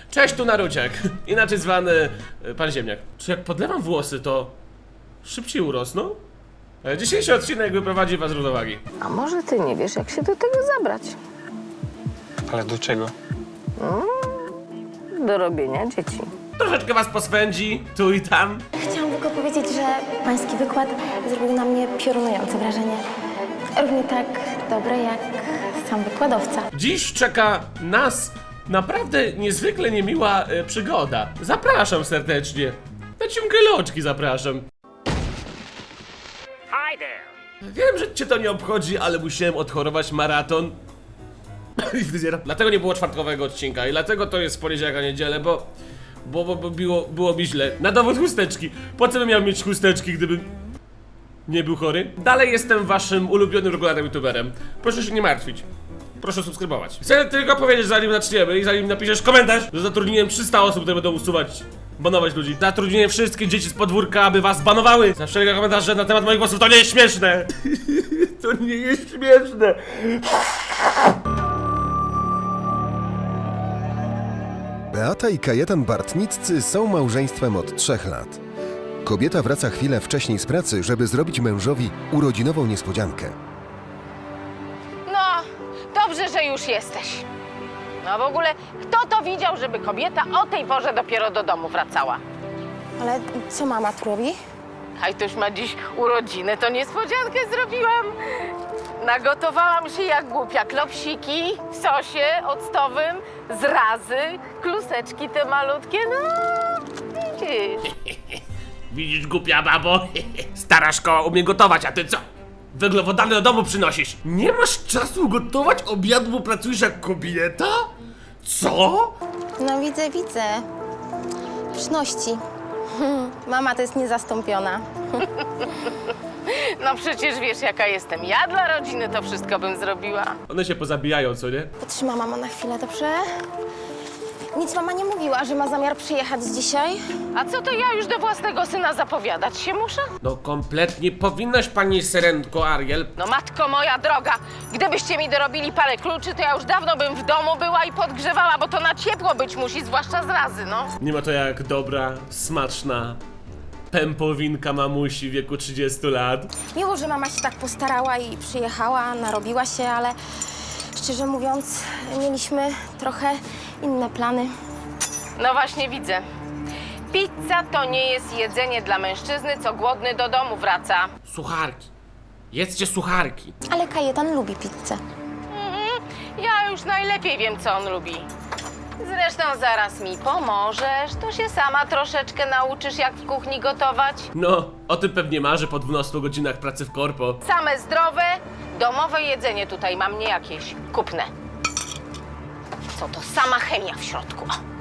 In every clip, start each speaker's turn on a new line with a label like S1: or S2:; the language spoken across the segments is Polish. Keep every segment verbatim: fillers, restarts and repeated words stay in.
S1: Cześć, tu Naruciak, inaczej zwany e, Pan Ziemniak. Czy jak podlewam włosy, to szybciej urosną? E, Dzisiejszy odcinek wyprowadzi was z równowagi.
S2: A może ty nie wiesz, jak się do tego zabrać?
S3: Ale do czego?
S2: Do robienia dzieci.
S1: Troszeczkę was poswędzi, tu i tam.
S4: Chciałam tylko powiedzieć, że pański wykład zrobił na mnie piorunujące wrażenie. Równie tak dobre jak sam wykładowca.
S1: Dziś czeka nas naprawdę niezwykle niemiła e, przygoda. Zapraszam serdecznie. Na ciągeloczki zapraszam.
S5: Hi there.
S1: Wiem, że cię to nie obchodzi, ale musiałem odchorować maraton. Dlatego nie było czwartkowego odcinka i dlatego to jest poniedziałek, a niedzielę, bo... Bo, bo, bo było, było mi źle. Na dowód chusteczki. Po co bym miał mieć chusteczki, gdybym nie był chory? Dalej jestem waszym ulubionym regularnym youtuberem. Proszę się nie martwić. Proszę subskrybować. Chcę tylko powiedzieć, zanim zaczniemy i zanim napiszesz komentarz, że zatrudniłem trzysta osób, które będą usuwać, banować ludzi. Zatrudniłem wszystkie dzieci z podwórka, aby was banowały. Za wszelkie komentarze na temat moich głosów. To nie jest śmieszne. To nie jest śmieszne.
S6: Beata i Kajetan Bartniccy są małżeństwem od trzech lat. Kobieta wraca chwilę wcześniej z pracy, żeby zrobić mężowi urodzinową niespodziankę.
S2: No, dobrze, że już jesteś. No w ogóle, kto to widział, żeby kobieta o tej porze dopiero do domu wracała?
S4: Ale co mama tu robi?
S2: Kajtuś ma dziś urodziny, to niespodziankę zrobiłam. Nagotowałam się jak głupia. Klopsiki w sosie octowym, zrazy, kluseczki te malutkie, no widzisz.
S1: Widzisz, głupia babo? Stara szkoła umie gotować, a ty co? Węglowodany do domu przynosisz. Nie masz czasu gotować obiadu, bo pracujesz jak kobieta? Co?
S4: No widzę, widzę. Pyszności. Mama to jest niezastąpiona.
S2: No przecież wiesz, jaka jestem. Ja dla rodziny to wszystko bym zrobiła.
S1: One się pozabijają, co nie?
S4: Potrzyma mama na chwilę, dobrze? Nic mama nie mówiła, że ma zamiar przyjechać dzisiaj.
S2: A co to ja już do własnego syna zapowiadać się muszę?
S1: No kompletnie powinnaś, pani Serenko Ariel.
S2: No matko moja droga, gdybyście mi dorobili parę kluczy, to ja już dawno bym w domu była i podgrzewała, bo to na ciepło być musi, zwłaszcza z razy, no.
S1: Nie ma to jak dobra, smaczna pępowinka mamusi w wieku trzydziestu lat.
S4: Miło, że mama się tak postarała i przyjechała, narobiła się, ale szczerze mówiąc, mieliśmy trochę inne plany.
S2: No właśnie widzę. Pizza to nie jest jedzenie dla mężczyzny, co głodny do domu wraca.
S1: Sucharki. Jedzcie sucharki.
S4: Ale Kajetan lubi pizzę.
S2: Mhm. Ja już najlepiej wiem, co on lubi. Zresztą zaraz mi pomożesz, to się sama troszeczkę nauczysz, jak w kuchni gotować.
S1: No, o tym pewnie marzy po dwunastu godzinach pracy w korpo.
S2: Same zdrowe, domowe jedzenie tutaj mam, nie jakieś kupne. Co to sama chemia w środku. O.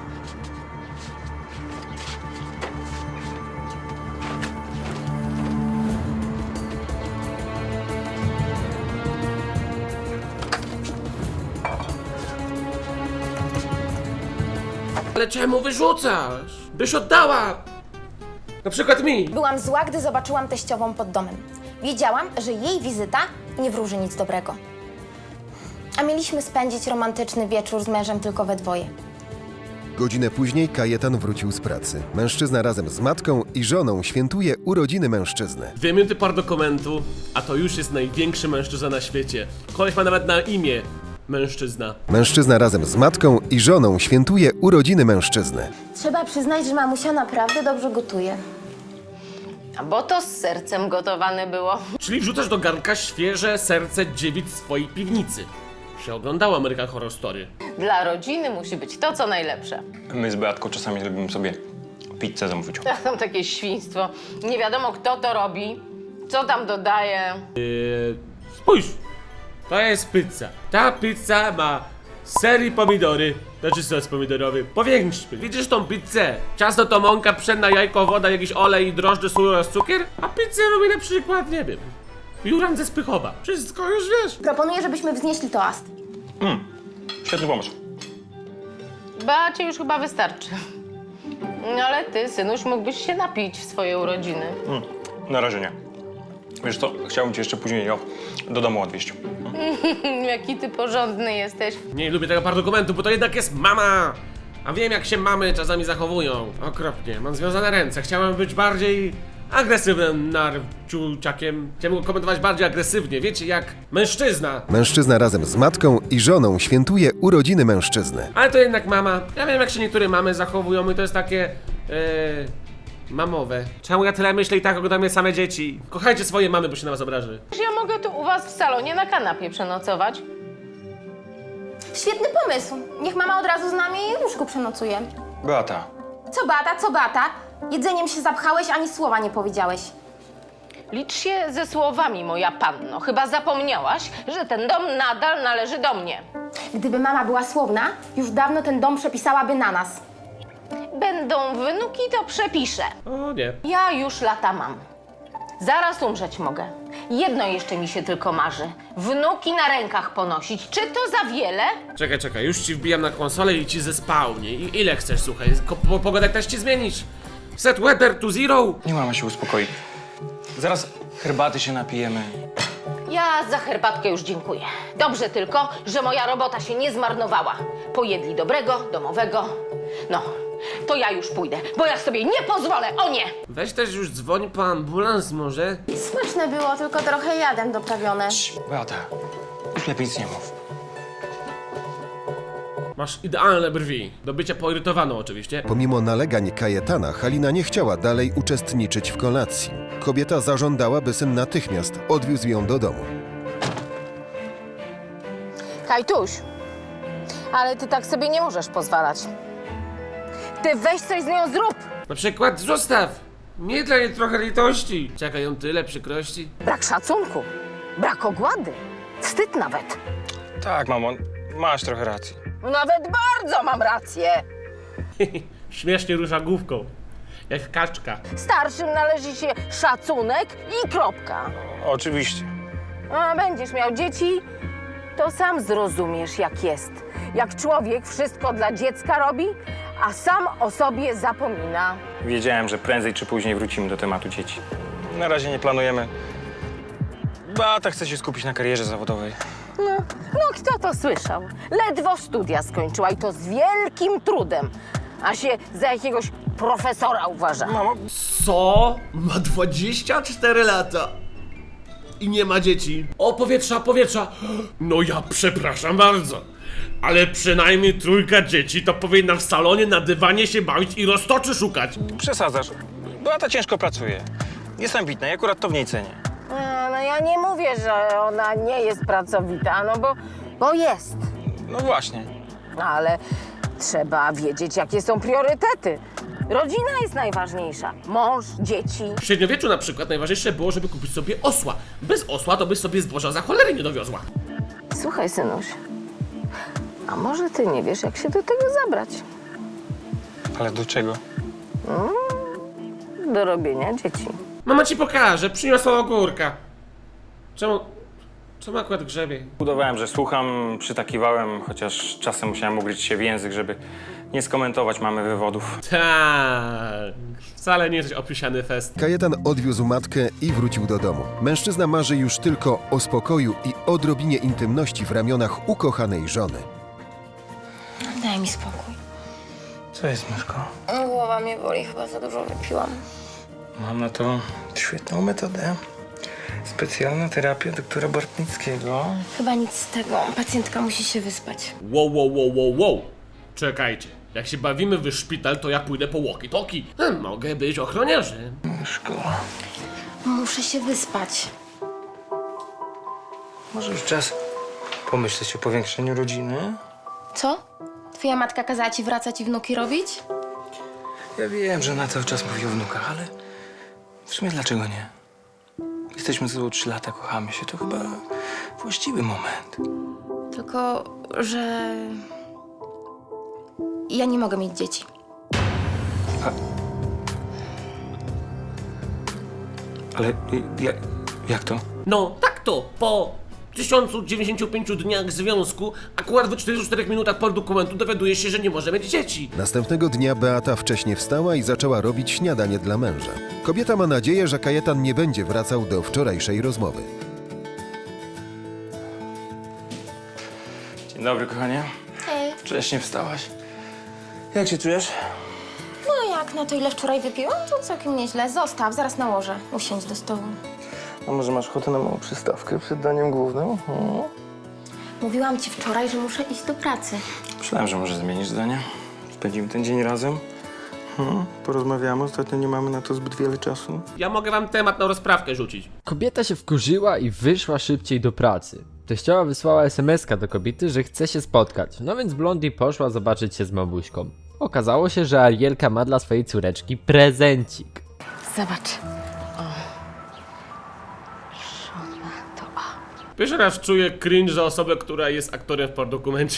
S1: Ale czemu wyrzucasz? Byś oddała! Na przykład mi!
S4: Byłam zła, gdy zobaczyłam teściową pod domem. Wiedziałam, że jej wizyta nie wróży nic dobrego. A mieliśmy spędzić romantyczny wieczór z mężem tylko we dwoje.
S6: Godzinę później Kajetan wrócił z pracy. Mężczyzna razem z matką i żoną świętuje urodziny mężczyzny.
S1: Dwie minuty par dokumentu, a to już jest największy mężczyzna na świecie. Koleś ma nawet na imię mężczyzna.
S6: Mężczyzna razem z matką i żoną świętuje urodziny mężczyzny.
S4: Trzeba przyznać, że mamusia naprawdę dobrze gotuje.
S2: A bo to z sercem gotowane było.
S1: Czyli wrzucasz do garnka świeże serce dziewic z swojej piwnicy. Się oglądało American Horror Story.
S2: Dla rodziny musi być to, co najlepsze.
S3: My z Beatką czasami lubimy sobie pizzę zamówić.
S2: Tam takie świństwo. Nie wiadomo, kto to robi, co tam dodaje.
S1: Yy, spójrz, to jest pizza. Ta pizza ma ser i pomidory. Znaczy sos pomidorowy. Powiększmy. Widzisz tą pizzę? Ciasto to mąka, pszenna, jajko, woda, jakiś olej, drożdże, sól oraz cukier. A pizzę robi na przykład, nie wiem, Juran ze Spychowa. Wszystko już wiesz.
S4: Proponuję, żebyśmy wznieśli toast.
S3: Świetny pomysł.
S2: Beacie już chyba wystarczy. No ale ty, synuś, mógłbyś się napić w swoje urodziny.
S3: Mm, na razie nie. Wiesz co, chciałbym cię jeszcze później ją do domu odwieźć.
S2: Jaki ty porządny jesteś.
S1: Nie lubię tego par dokumentu, bo to jednak jest mama. A wiem, jak się mamy czasami zachowują. Okropnie, mam związane ręce. Chciałem być bardziej agresywnym narciuciakiem. Chciałem go komentować bardziej agresywnie, wiecie, jak mężczyzna.
S6: Mężczyzna razem z matką i żoną świętuje urodziny mężczyzny.
S1: Ale to jednak mama. Ja wiem, jak się niektóre mamy zachowują i to jest takie... Yy, mamowe. Czemu ja tyle myślę i tak oglądam je same dzieci? Kochajcie swoje mamy, bo się na was obraży.
S2: Ja mogę tu u was w salonie na kanapie przenocować.
S4: Świetny pomysł. Niech mama od razu z nami w łóżku przenocuje.
S3: Beata,
S4: Co Beata, co Beata? Jedzeniem się zapchałeś, ani słowa nie powiedziałeś.
S2: Licz się ze słowami, moja panno. Chyba zapomniałaś, że ten dom nadal należy do mnie.
S4: Gdyby mama była słowna, już dawno ten dom przepisałaby na nas.
S2: Będą wnuki, to przepiszę.
S1: O nie.
S2: Ja już lata mam. Zaraz umrzeć mogę. Jedno jeszcze mi się tylko marzy. Wnuki na rękach ponosić. Czy to za wiele?
S1: Czekaj, czekaj, już ci wbijam na konsolę i ci zespałnie. I ile chcesz, słuchaj? Ko- po- Pogodę też ci zmienisz. Set weather to zero.
S3: nie mama się uspokoi. Zaraz herbaty się napijemy.
S2: Ja za herbatkę już dziękuję. Dobrze tylko, że moja robota się nie zmarnowała. Pojedli dobrego, domowego. No, to ja już pójdę, bo ja sobie nie pozwolę, o nie!
S1: Weź też już dzwoń po ambulans może.
S4: Smaczne było, tylko trochę jadem doprawione.
S3: Beata, już lepiej nic nie mów.
S1: Masz idealne brwi. Do bycia poirytowaną oczywiście.
S6: Pomimo nalegań Kajetana, Halina nie chciała dalej uczestniczyć w kolacji. Kobieta zażądała, by syn natychmiast odwiózł ją do domu.
S2: Kajtuś, ale ty tak sobie nie możesz pozwalać. Ty weź coś z nią zrób!
S1: Na przykład zostaw. Nie dla niej trochę litości. Czeka ją tyle przykrości.
S2: Brak szacunku, brak ogłady, wstyd nawet.
S3: Tak, mamo, masz trochę racji.
S2: Nawet bardzo mam rację.
S1: Śmiesznie rusza główką. Jak kaczka.
S2: Starszym należy się szacunek i kropka.
S3: Oczywiście.
S2: A będziesz miał dzieci, to sam zrozumiesz, jak jest. Jak człowiek wszystko dla dziecka robi, a sam o sobie zapomina.
S3: Wiedziałem, że prędzej czy później wrócimy do tematu dzieci. Na razie nie planujemy. Beata chce się skupić na karierze zawodowej.
S2: No, no kto to słyszał? Ledwo studia skończyła i to z wielkim trudem, a się za jakiegoś profesora uważa.
S3: Mamo,
S1: Co? Ma dwadzieścia cztery lata. I nie ma dzieci. O, powietrza, powietrza. No ja przepraszam bardzo. Ale przynajmniej trójka dzieci to powinna w salonie na dywanie się bawić i roztoczy szukać.
S3: przesadzasz. Beata ciężko pracuje. Jest ambitna i akurat to w niej cenię.
S2: A, no ja nie mówię, że ona nie jest pracowita, no bo, bo jest.
S3: No właśnie.
S2: No ale trzeba wiedzieć, jakie są priorytety. Rodzina jest najważniejsza. Mąż, dzieci.
S1: W średniowieczu na przykład najważniejsze było, żeby kupić sobie osła. Bez osła to byś sobie zboża za cholery nie dowiozła.
S2: Słuchaj, synuś, a może ty nie wiesz, jak się do tego zabrać?
S3: Ale do czego?
S2: Do robienia dzieci.
S1: Mama ci pokaże, przyniosła ogórka. Czemu... Czemu akurat grzebie?
S3: Udawałem, że słucham, przytakiwałem, chociaż czasem musiałem ugryźć się w język, żeby nie skomentować mamy wywodów.
S1: Tak, wcale nie jesteś opisany fest.
S6: Kajetan odwiózł matkę i wrócił do domu. Mężczyzna marzy już tylko o spokoju i odrobinie intymności w ramionach ukochanej żony.
S4: Daj mi spokój.
S3: Co jest, myszko?
S4: Głowa mnie boli, chyba za dużo wypiłam.
S3: Mam na to świetną metodę. Specjalna terapia doktora Bartnickiego.
S4: Chyba nic z tego. Pacjentka musi się wyspać.
S1: Wow, wow, wow, wow, wow. Czekajcie, jak się bawimy w szpital, to ja pójdę po walkie-talkie. Hmm, mogę być ochroniarzem.
S3: Myszko,
S4: Muszę się wyspać.
S3: może już czas pomyśleć o powiększeniu rodziny?
S4: Co? Twoja matka kazała ci wracać i wnuki robić?
S3: Ja wiem, że na cały czas mówi o wnukach, ale w sumie dlaczego nie? Jesteśmy ze sobą trzy lata, kochamy się, to chyba właściwy moment.
S4: Tylko, że... Ja nie mogę mieć dzieci.
S3: Ale jak, jak to?
S1: No, tak to, po tysiącu dziewięćdziesięciu pięciu dniach związku, akurat w czterdziestu czterech minutach po dokumentu dowiaduje się, że nie może mieć dzieci.
S6: Następnego dnia Beata wcześnie wstała i zaczęła robić śniadanie dla męża. Kobieta ma nadzieję, że Kajetan nie będzie wracał do wczorajszej rozmowy.
S3: Dzień dobry, kochanie.
S4: Hej.
S3: Wcześnie wstałaś. Jak się czujesz?
S4: No jak na to, ile wczoraj wypiłam, to całkiem nieźle. Zostaw, zaraz nałożę. Usiądź do stołu.
S3: A może masz ochotę na małą przystawkę przed daniem głównym? Hmm?
S4: Mówiłam ci wczoraj, że muszę iść do pracy.
S3: Myślałem, że może zmienisz zdanie. Spędzimy ten dzień razem. Hmm? Porozmawiamy, ostatnio nie mamy na to zbyt wiele czasu.
S1: Ja mogę wam temat na rozprawkę rzucić.
S5: Kobieta się wkurzyła i wyszła szybciej do pracy. Teściowa wysłała es em eska do kobiety, że chce się spotkać, no więc Blondie poszła zobaczyć się z mamuśką. Okazało się, że Arielka ma dla swojej córeczki prezencik.
S2: Zobacz. O. Żona to A.
S1: Pierwszy raz czuję cringe za osobę, która jest aktorem w pornodokumencie.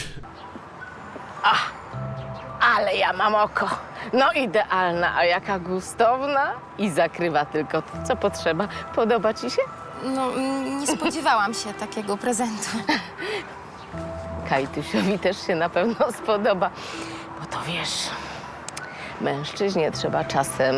S2: Ale ja mam oko. No idealna, a jaka gustowna. I zakrywa tylko to, co potrzeba. Podoba ci się?
S4: No, mm, nie spodziewałam się takiego prezentu.
S2: Kajtusiowi też się na pewno spodoba. Bo to wiesz, mężczyźnie trzeba czasem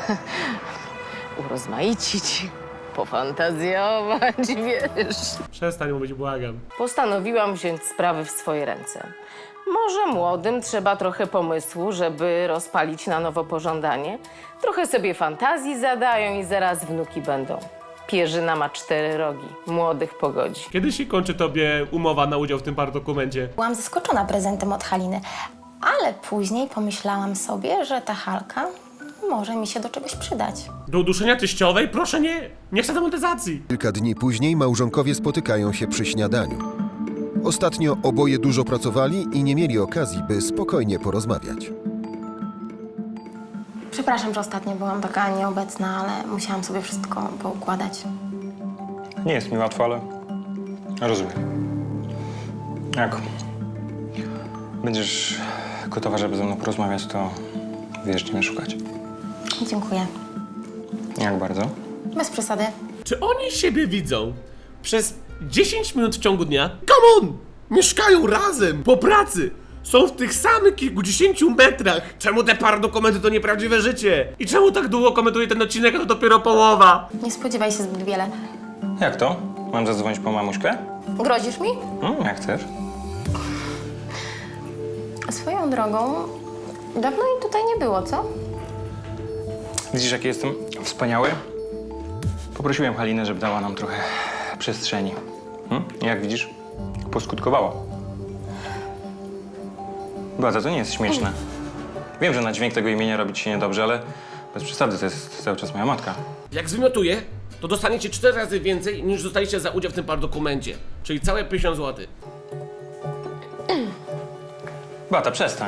S2: urozmaicić, pofantazjować, wiesz.
S1: Przestań mówić, błagam.
S2: Postanowiłam wziąć sprawy w swoje ręce. Może młodym trzeba trochę pomysłu, żeby rozpalić na nowo pożądanie. Trochę sobie fantazji zadają i zaraz wnuki będą. Pierzyna ma cztery rogi. Młodych pogodzi.
S1: Kiedy się kończy tobie umowa na udział w tym pornodokumencie?
S4: Byłam zaskoczona prezentem od Haliny, ale później pomyślałam sobie, że ta Halka może mi się do czegoś przydać.
S1: Do uduszenia teściowej? Proszę nie! Nie chcę demonetyzacji!
S6: Kilka dni później małżonkowie spotykają się przy śniadaniu. Ostatnio oboje dużo pracowali i nie mieli okazji, by spokojnie porozmawiać.
S4: Przepraszam, że ostatnio byłam taka nieobecna, ale musiałam sobie wszystko poukładać.
S3: Nie jest mi łatwo, ale rozumiem. Jak będziesz gotowa, żeby ze mną porozmawiać, to wiesz, gdzie mnie szukać.
S4: Dziękuję.
S3: Jak bardzo?
S4: Bez przesady.
S1: Czy oni siebie widzą przez dziesięć minut w ciągu dnia? Come on! Mieszkają razem, po pracy! Są w tych samych kilkudziesięciu metrach! Czemu te paradokumenty to nieprawdziwe życie? I czemu tak długo komentuje ten odcinek, a to dopiero połowa?
S4: Nie spodziewaj się zbyt wiele.
S3: Jak to? Mam zadzwonić po mamuśkę?
S4: Grozisz mi?
S3: Hmm, jak chcesz.
S4: Swoją drogą, dawno jej tutaj nie było, co?
S3: Widzisz, jaki jestem wspaniały? Poprosiłem Halinę, żeby dała nam trochę przestrzeni. Hmm? I jak widzisz, poskutkowało. Beata, to nie jest śmieszne. Wiem, że na dźwięk tego imienia robi ci się niedobrze, ale bez przesady, to jest cały czas moja matka.
S1: Jak zwymiotuję, to dostaniecie cztery razy więcej niż dostaliście za udział w tym paradokumencie. Czyli całe pięćdziesiąt złotych.
S3: Beata, przestań.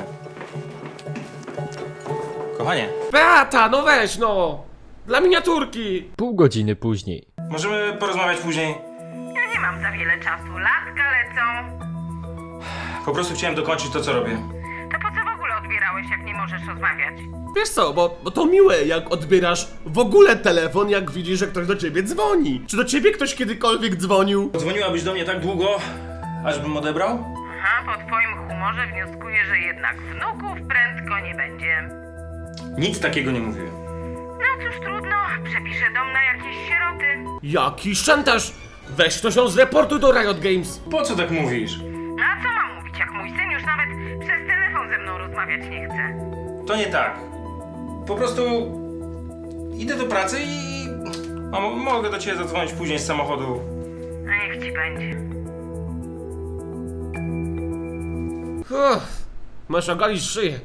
S3: Kochanie,
S1: Beata, no weź no! Dla miniaturki!
S5: Pół godziny później.
S3: możemy porozmawiać później?
S2: Ja nie mam za wiele czasu. Latka lecą.
S3: Po prostu chciałem dokończyć to, co robię.
S2: To po co w ogóle odbierałeś, jak nie możesz rozmawiać?
S1: Wiesz co, bo, bo to miłe, jak odbierasz w ogóle telefon, jak widzisz, że ktoś do ciebie dzwoni. Czy do ciebie ktoś kiedykolwiek dzwonił?
S3: Dzwoniłabyś do mnie tak długo, aż bym odebrał?
S2: Aha, po twoim humorze wnioskuję, że jednak wnuków prędko nie będzie.
S3: Nic takiego nie mówiłem.
S2: No cóż, trudno. Przepiszę dom na jakieś sieroty.
S1: Jaki szantaż! Weź to się zreportuj do Riot Games.
S3: Po co tak mówisz?
S2: A co mam mówić, jak mój syn już nawet przez telefon ze mną rozmawiać nie chce?
S3: To nie tak. Po prostu idę do pracy i... Mamo, mogę do ciebie zadzwonić później z samochodu.
S2: A niech ci będzie.
S1: Uff, masz ogalić szyję.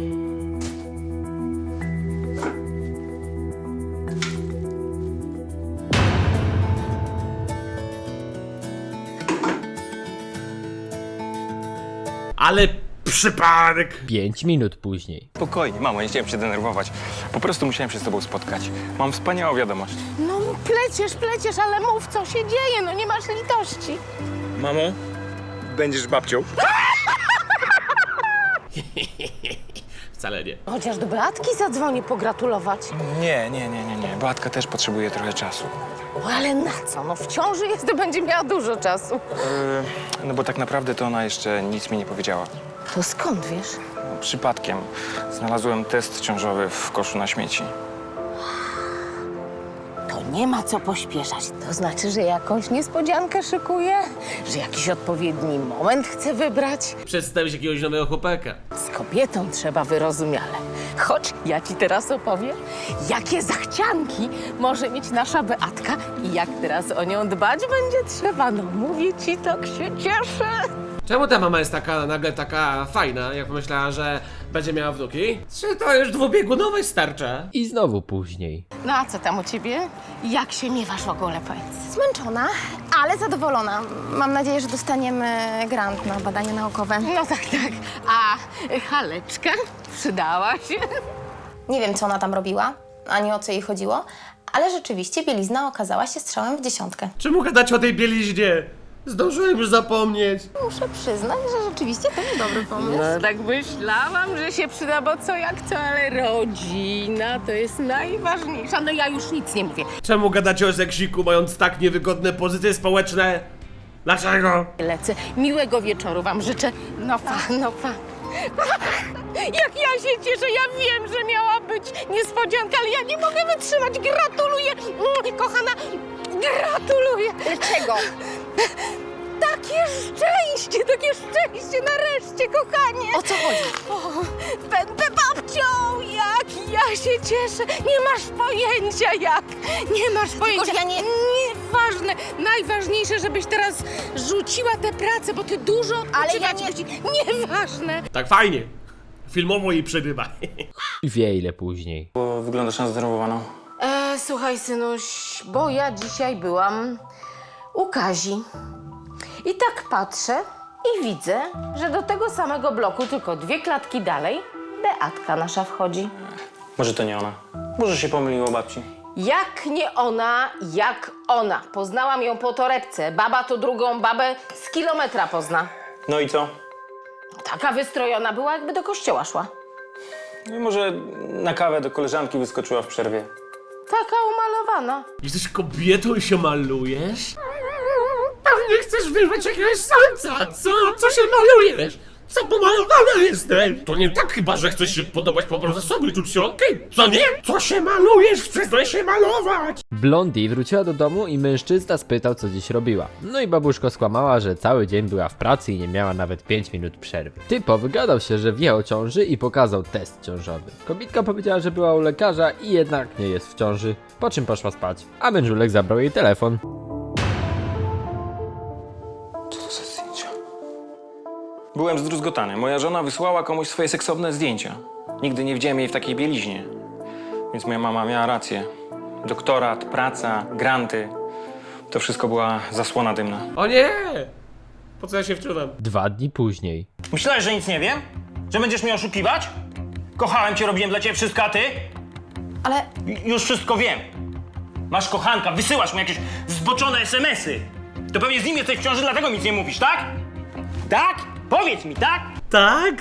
S1: Ale przypadek!
S5: Pięć minut później.
S3: Spokojnie, mamo, nie chciałem się denerwować. Po prostu musiałem się z tobą spotkać. Mam wspaniałą wiadomość.
S2: No pleciesz, pleciesz, ale mów, co się dzieje, no nie masz litości.
S3: Mamo, będziesz babcią.
S1: Wcale nie.
S2: Chociaż do Beatki zadzwoni pogratulować.
S3: Nie, nie, nie, nie, nie. Beatka też potrzebuje trochę czasu.
S2: O, ale na co? No w ciąży jest, to będzie miała dużo czasu.
S3: Yy, no bo tak naprawdę to ona jeszcze nic mi nie powiedziała.
S2: To skąd wiesz?
S3: No, przypadkiem znalazłem test ciążowy w koszu na śmieci.
S2: To nie ma co pośpieszać. To znaczy, że jakąś niespodziankę szykuje, że jakiś odpowiedni moment chce wybrać.
S1: Przedstawić jakiegoś nowego chłopaka.
S2: Z kobietą trzeba wyrozumiale. Chodź, ja ci teraz opowiem, jakie zachcianki może mieć nasza Beatka i jak teraz o nią dbać będzie trzeba. No mówię ci, tak się cieszę.
S1: Czemu ta mama jest taka nagle taka fajna, jak pomyślała, że będzie miała wnuki? Czy to już dwubiegunowe starcza?
S5: I znowu później.
S2: No a co tam u ciebie? Jak się miewasz w ogóle, powiedz?
S4: Zmęczona, ale zadowolona. Mam nadzieję, że dostaniemy grant na badania naukowe.
S2: No tak, tak. A Haleczka przydała się?
S4: Nie wiem, co ona tam robiła, ani o co jej chodziło, ale rzeczywiście bielizna okazała się strzałem w dziesiątkę.
S1: Czemu gadać o tej bieliźnie? Zdążyłem już zapomnieć.
S4: Muszę przyznać, że rzeczywiście to był dobry pomysł.
S2: No tak myślałam, że się przyda, bo co jak co, ale rodzina to jest najważniejsza. No ja już nic nie mówię.
S1: Czemu gadacie o seksiku, mając tak niewygodne pozycje społeczne? Dlaczego?
S2: Lecę. Miłego wieczoru wam życzę. No pa, no pa. Jak ja się cieszę, ja wiem, że miała być niespodzianka, ale ja nie mogę wytrzymać. Gratuluję, Mm, kochana, gratuluję.
S4: Czego?
S2: Takie szczęście, takie szczęście, nareszcie, kochanie.
S4: O co chodzi?
S2: O, będę babcią, jak ja się cieszę. Nie masz pojęcia jak, nie masz pojęcia.
S4: że ja nie-
S2: Nieważne, najważniejsze, żebyś teraz rzuciła tę pracę, bo ty dużo
S4: Ale ja
S2: odpoczywać
S4: nie-
S2: musi- Nieważne.
S1: Tak fajnie. Filmowo jej przerywa.
S5: I wie ile później.
S3: Bo wyglądasz na zdenerwowaną.
S2: E, słuchaj, synuś, bo ja dzisiaj byłam u Kazi. I tak patrzę i widzę, że do tego samego bloku, tylko dwie klatki dalej, Beatka nasza wchodzi.
S3: Może to nie ona. Może się pomyliło babci.
S2: Jak nie ona, jak ona. Poznałam ją po torebce. Baba to drugą babę z kilometra pozna.
S3: No i co?
S2: Taka wystrojona była, jakby do kościoła szła.
S3: No i może na kawę do koleżanki wyskoczyła w przerwie.
S2: Taka umalowana.
S1: Jesteś kobietą i się malujesz? Pewnie chcesz wyrwać jakiegoś samca. Co? Co się malujesz? Co pomalowana jestem? To nie tak chyba, że chcesz się podobać po prostu sobie czuć się okej. Co nie? Co się malujesz? Przestań się malować!
S5: Blondie wróciła do domu i mężczyzna spytał, co dziś robiła. No i babuszko skłamała, że cały dzień była w pracy i nie miała nawet pięć minut przerwy. Typo wygadał się, że wie o ciąży i pokazał test ciążowy. Kobitka powiedziała, że była u lekarza i jednak nie jest w ciąży, po czym poszła spać, a mężulek zabrał jej telefon.
S3: Co to za zdjęcia? Byłem zdruzgotany. Moja żona wysłała komuś swoje seksowne zdjęcia. Nigdy nie widziałem jej w takiej bieliźnie. Więc moja mama miała rację. Doktorat, praca, granty. To wszystko była zasłona dymna.
S1: O nie! Po co ja się wczuwam?
S5: Dwa dni później.
S7: Myślałeś, że nic nie wiem? Że będziesz mnie oszukiwać? Kochałem cię, robiłem dla ciebie wszystko, a ty?
S4: Ale
S7: J- Już wszystko wiem. Masz kochanka, wysyłasz mu jakieś zboczone esemesy. To pewnie z nim jesteś w ciąży, dlatego nic nie mówisz, tak? Tak? Powiedz mi, tak?
S1: Tak?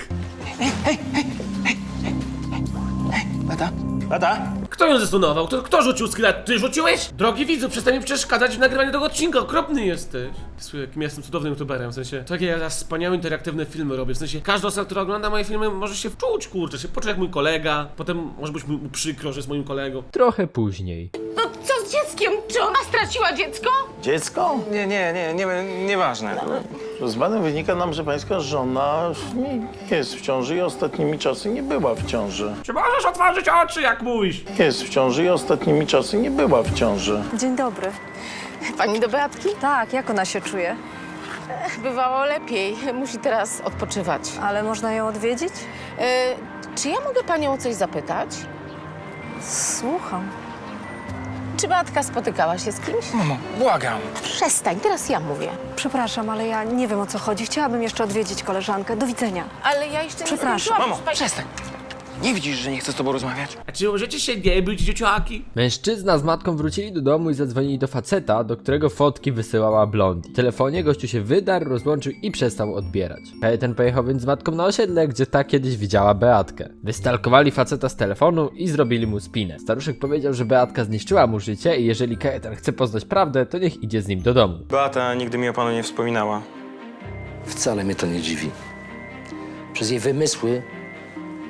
S3: Tata?
S7: Tata?
S1: Kto ją zestunował? Kto, kto rzucił skilla? Ty rzuciłeś? Drogi widzu, przestań mi przeszkadzać w nagrywaniu tego odcinka, okropny jesteś. Słuchaj, jakim ja jestem cudownym youtuberem, w sensie, takie ja wspaniałe interaktywne filmy robię, w sensie, każda osoba, która ogląda moje filmy, może się wczuć, kurczę, się poczuć jak mój kolega, potem może być mu przykro, że jest moim kolegą.
S5: Trochę później.
S2: No co z dzieckiem? Czy ona straciła dziecko?
S8: Dziecko?
S3: Nie, nie, nie, nie, nieważne.
S8: Z badań wynika nam, że pańska żona nie jest w ciąży i ostatnimi czasy nie była w ciąży.
S1: Czy możesz otworzyć oczy, jak mówisz?
S8: Jest w ciąży i ostatnimi czasy nie była w ciąży.
S9: Dzień dobry.
S2: Pani do Beatki?
S9: Tak, jak ona się czuje?
S2: Bywało lepiej. Musi teraz odpoczywać.
S9: Ale można ją odwiedzić?
S2: E, czy ja mogę panią o coś zapytać?
S9: Słucham.
S2: Czy Beatka spotykała się z kimś?
S3: Mamo, błagam.
S2: Przestań, teraz ja mówię.
S9: Przepraszam, ale ja nie wiem o co chodzi. Chciałabym jeszcze odwiedzić koleżankę. Do widzenia.
S2: Ale ja jeszcze nie
S9: Przepraszam.
S2: skończyłam.
S3: Mamo,
S2: Pani-
S3: przestań. Nie widzisz, że nie chcę z tobą rozmawiać?
S1: A czy możecie się nie być, dzieciaki?
S5: Mężczyzna z matką wrócili do domu i zadzwonili do faceta, do którego fotki wysyłała Blondie. W telefonie gościu się wydarł, rozłączył i przestał odbierać. Kajetan pojechał więc z matką na osiedle, gdzie ta kiedyś widziała Beatkę. Wystalkowali faceta z telefonu i zrobili mu spinę. Staruszek powiedział, że Beatka zniszczyła mu życie i jeżeli Kajetan chce poznać prawdę, to niech idzie z nim do domu.
S3: Beata nigdy mi o panu nie wspominała.
S10: Wcale mnie to nie dziwi. Przez jej wymysły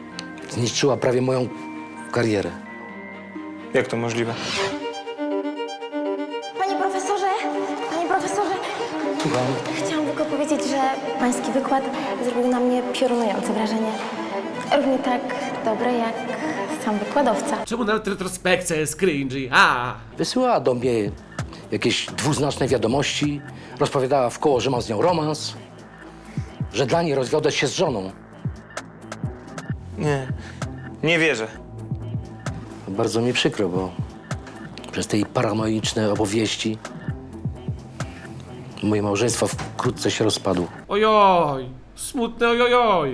S10: zniszczyła prawie moją karierę.
S3: Jak to możliwe?
S10: Słucham.
S4: Chciałam tylko powiedzieć, że pański wykład zrobił na mnie piorunujące wrażenie. Równie tak dobre jak sam wykładowca.
S1: Czemu nawet retrospekcja jest cringy? A,
S10: Wysyłała do mnie jakieś dwuznaczne wiadomości, rozpowiadała w koło, że mam z nią romans, że dla niej rozwiodłeś się z żoną.
S3: Nie, nie wierzę.
S10: Bardzo mi przykro, bo przez te jej paranoiczne opowieści moje małżeństwo wkrótce się rozpadło.
S1: ojoj, smutne ojojoj.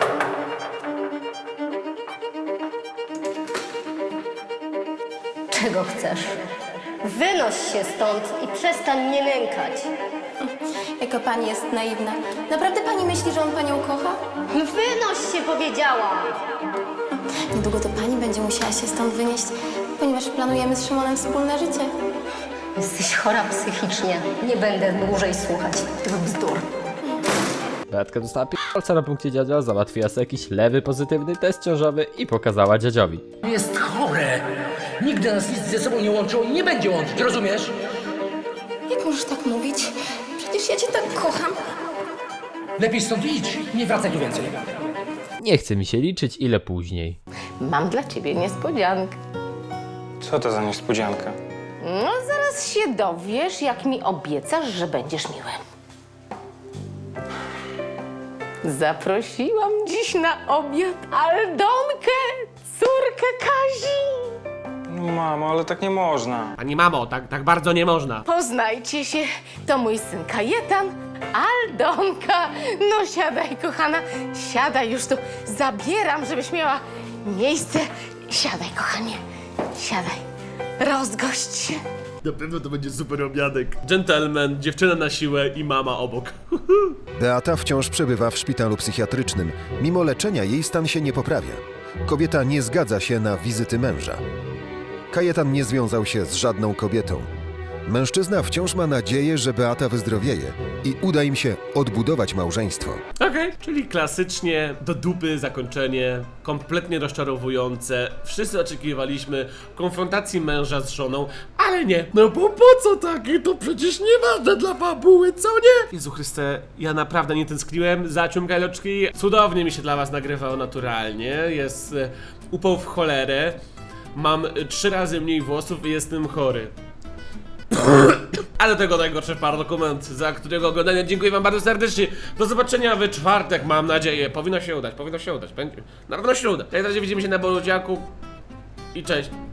S11: Czego chcesz? Wynoś się stąd i przestań mnie nękać.
S4: Jaka pani jest naiwna. Naprawdę pani myśli, że on panią kocha?
S11: Wynoś się, powiedziałam!
S4: Niedługo to pani będzie musiała się stąd wynieść, ponieważ planujemy z Szymonem wspólne życie.
S11: Jesteś chora psychicznie. Nie będę dłużej słuchać tych bzdur.
S5: Beatka dostała pierdolca na punkcie dziadzia, załatwiła sobie jakiś lewy pozytywny test ciążowy i pokazała dziadziowi.
S10: Jest chore. Nigdy nas nic ze sobą nie łączyło i nie będzie łączyć, rozumiesz?
S4: Jak możesz tak mówić? Przecież ja cię tak kocham.
S10: Lepiej stąd idź, nie wracaj tu więcej.
S5: Nie chce mi się liczyć ile później.
S2: Mam dla ciebie niespodziankę.
S3: Co to za niespodzianka?
S2: No, zaraz się dowiesz, jak mi obiecasz, że będziesz miły. Zaprosiłam dziś na obiad Aldonkę, córkę Kazi.
S3: No mamo, ale tak nie można.
S1: Pani mamo, tak, tak bardzo nie można.
S2: Poznajcie się, to mój syn Kajetan, Aldonka. No siadaj, kochana, siadaj już tu. Zabieram, żebyś miała miejsce. Siadaj, kochanie, siadaj. Rozgość się.
S1: Na pewno to będzie super obiadek. Gentleman, dziewczyna na siłę i mama obok.
S6: Beata wciąż przebywa w szpitalu psychiatrycznym. Mimo leczenia jej stan się nie poprawia. Kobieta nie zgadza się na wizyty męża. Kajetan nie związał się z żadną kobietą. Mężczyzna wciąż ma nadzieję, że Beata wyzdrowieje i uda im się odbudować małżeństwo.
S1: Okej, czyli klasycznie do dupy zakończenie, kompletnie rozczarowujące. Wszyscy oczekiwaliśmy konfrontacji męża z żoną, ale nie. No bo po co takie? To przecież nieważne dla fabuły, co nie? Jezu Chryste, ja naprawdę nie tęskniłem za ciumkajloczki. Cudownie mi się dla was nagrywało naturalnie. Jest e, upał w cholerę. Mam e, trzy razy mniej włosów i jestem chory. A do tego najgorszy dokument, za którego oglądanie dziękuję wam bardzo serdecznie. Do zobaczenia w czwartek, mam nadzieję. Powinno się udać, powinno się udać. Będzie. Na pewno się uda. W takim razie widzimy się na Borudziaku i cześć.